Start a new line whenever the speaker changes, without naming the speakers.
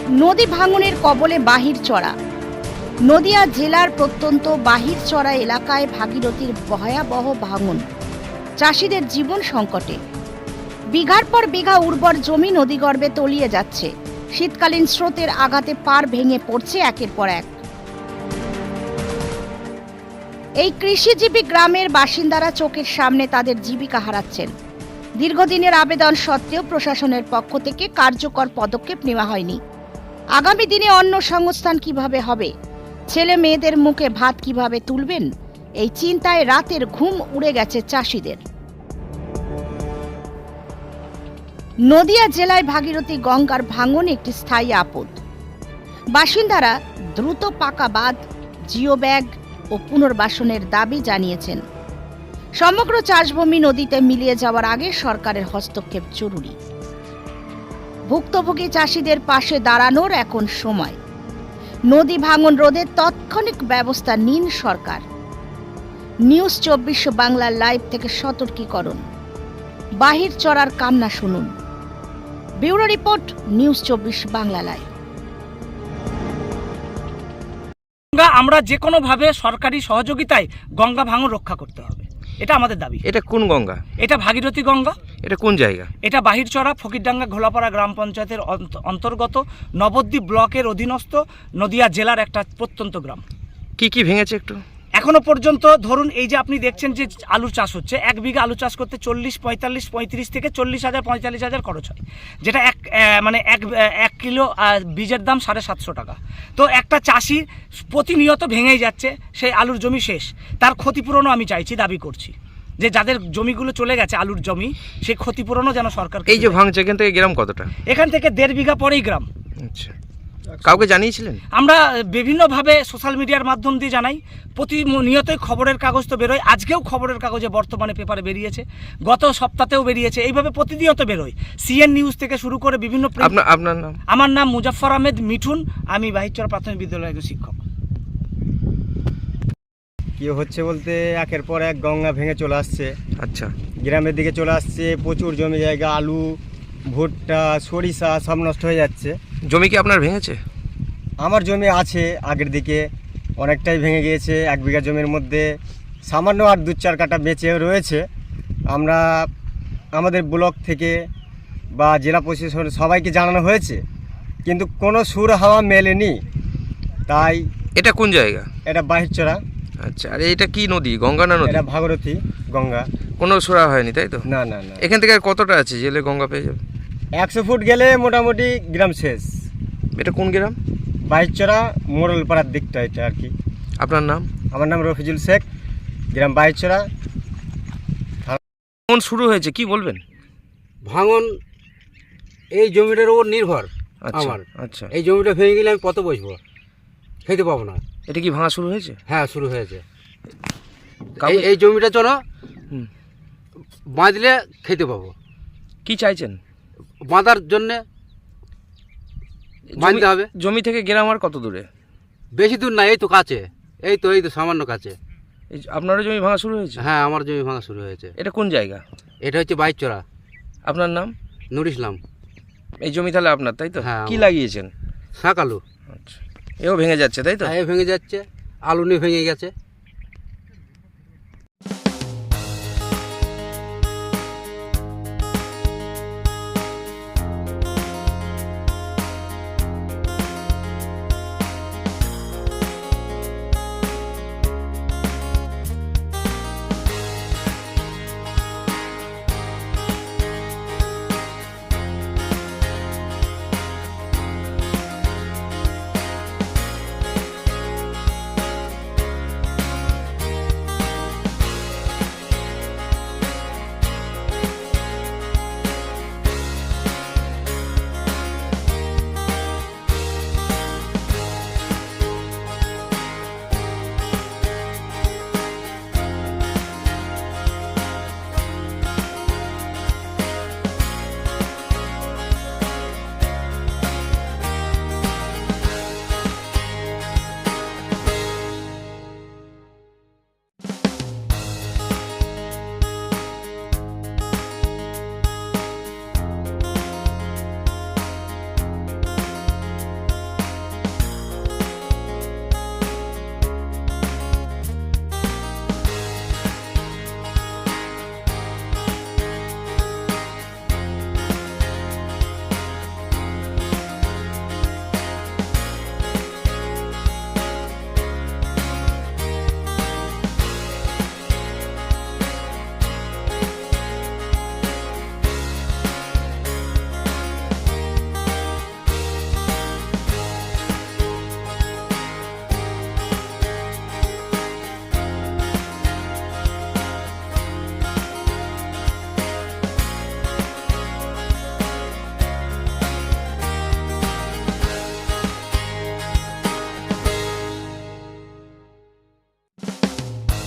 নদী ভাঙনের কবলে বাহিরচরা। নদিয়া জেলার প্রত্যন্ত বাহিরচরা এলাকায় ভাগীরথীর ভয়াবহ ভাঙন চাষিদের জীবন সংকটে। বিঘার পর বিঘা উর্বর জমি নদীগর্ভে তলিয়ে যাচ্ছে। শীতকালীন স্রোতের আঘাতে পাড় ভেঙে পড়ছে একের পর এক। এই কৃষিজীবী গ্রামের বাসিন্দারা চোখের সামনে তাদের জীবিকা হারাচ্ছেন। দীর্ঘদিনের আবেদন সত্ত্বেও প্রশাসনের পক্ষ থেকে কার্যকর পদক্ষেপ নেওয়া হয়নি। আগামী দিনে অন্য সংস্থান কিভাবে হবে, ছেলে মেয়েদের মুখে ভাত কিভাবে তুলবেন, এই চিন্তায় রাতের ঘুম উড়ে গেছে চাষিদের। নদিয়া জেলায় ভাগীরথী গঙ্গার ভাঙন একটি স্থায়ী আপদ। বাসিন্দারা দ্রুত পাকা বাঁধ, জিও ব্যাগ ও পুনর্বাসনের দাবি জানিয়েছেন। সমগ্র চাষভূমি নদীতে মিলিয়ে যাওয়ার আগে সরকারের হস্তক্ষেপ জরুরি। ভুক্তভোগী চাষিদের পাশে দাঁড়ানোর এখন সময়। নদী ভাঙন রোধে তাৎক্ষণিক ব্যবস্থা নিন সরকার। নিউজ 24 বাংলা লাইভ থেকে সতর্কীকরণ, বাহিরচরার কান্না শুনুন। Bureau report, news 24 Bangla live.
আমরা যে কোনো ভাবে সরকারি সহযোগিতায় গঙ্গা ভাঙন রক্ষা করতে হবে, এটা আমাদের দাবি।
এটা কোন গঙ্গা?
এটা ভাগীরথী গঙ্গা।
এটা কোন জায়গা?
এটা বাহিরচরা ফকিরডাঙ্গা ঘোলাপাড়া গ্রাম পঞ্চায়েতের অন্তর্গত নবদ্বীপ ব্লকের অধীনস্থ নদিয়া জেলার একটা প্রত্যন্ত গ্রাম।
কি কি ভেঙেছে একটু?
এখনো পর্যন্ত ধরুন এই যে আপনি দেখছেন যে আলু চাষ হচ্ছে, 1 বিঘা আলু চাষ করতে 35 থেকে 40,000 45,000 খরচ হয়, যেটা এক কিলো বীজের দাম 750 টাকা। তো একটা চাষি প্রতিনিয়ত ভেঙেই যাচ্ছে, সেই আলুর জমি শেষ। তার ক্ষতিপূরণও আমি চাইছি, দাবি করছি যে যাদের জমিগুলো চলে গেছে আলুর জমি, সেই ক্ষতিপূরণও যেন সরকার।
এই যে ভাঙছে, এখান থেকে গ্রাম কতটা?
এখান থেকে 1.5 বিঘা পরেই গ্রাম।
আচ্ছা, কাউকে জানিয়েছিলেন?
আমরা বিভিন্নভাবে সোশ্যাল মিডিয়ার মাধ্যম দিয়ে জানাই, প্রতিনিয়তই খবরের কাগজ তো বেরোয়। আজকেও খবরের কাগজে বর্তমানে পেপারে বেরিয়েছে, গত সপ্তাহেও বেরিয়েছে, এইভাবে প্রতিনিয়ত বেরোয়। সিএন নিউজ থেকে শুরু করে বিভিন্ন।
আপনার নাম?
আমার নাম মুজাফফর আহমেদ মিঠুন, আমি বাহিরচরা প্রাথমিক বিদ্যালয়ের একজন শিক্ষক।
কি হচ্ছে বলতে, একের পর এক গঙ্গা ভেঙে চলে আসছে।
আচ্ছা,
গ্রামের দিকে চলে আসছে, প্রচুর জমি জায়গা, আলু, ভুট্টা, সরিষা সব নষ্ট হয়ে যাচ্ছে।
জমি কি আপনার ভেঙেছে?
আমার জমি আছে, আগের দিকে অনেকটাই ভেঙে গিয়েছে। 1 বিঘা জমির মধ্যে সামান্য আর 2-4 কাঠা বেঁচে রয়েছে। আমরা আমাদের ব্লক থেকে বা জেলা প্রশাসন সবাইকে জানানো হয়েছে, কিন্তু কোনো সুর হাওয়া মেলেনি। তাই
এটা কোন জায়গা?
এটা বাহিরচরা।
আচ্ছা, আর এটা কি নদী? গঙ্গা না নদী?
এটা ভাগীরথী গঙ্গা।
কোনো সুরা হয়নি তাই তো?
না না না।
এখান থেকে আর কতটা আছে জেলে গঙ্গা পেয়ে যাবে?
100 ফুট গেলে মোটামুটি গ্রাম শেষ।
এটা কোন গ্রাম?
বাহিরচরা মোড়লপাড়ার দিকটা এটা আর কি।
আপনার নাম?
আমার নাম রফিজুল শেখ, গ্রাম বাহিরচরা।
কোন শুরু হয়েছে কি বলবেন?
ভাঙন এই জমিটার উপর নির্ভর আমার।
আচ্ছা,
এই জমিটা ভেঙে গেলে আমি কত বসবো, খেতে পাবো না।
এটা কি ভাঙা শুরু হয়েছে?
হ্যাঁ, শুরু হয়েছে। এই জমিটা চলো বাঁধলে খেতে পাবো।
কি চাইছেন?
বাঁধার জন্যে বাঁধতে হবে।
জমি থেকে গ্রাম আর কত দূরে?
বেশি দূর না, এই তো কাছে, এই তো সামান্য কাছে।
আপনারও জমি ভাঙা শুরু হয়েছে?
হ্যাঁ, আমার জমি ভাঙা শুরু হয়েছে।
এটা কোন জায়গা?
এটা হচ্ছে বাহিরচরা।
আপনার নাম?
নুর ইসলাম।
এই জমি তাহলে আপনার তাই তো?
হ্যাঁ।
কি লাগিয়েছেন?
শাক আলু।
আচ্ছা, এও ভেঙে যাচ্ছে তাই তো?
হ্যাঁ, ভেঙে যাচ্ছে, আলু নিয়ে ভেঙে গেছে।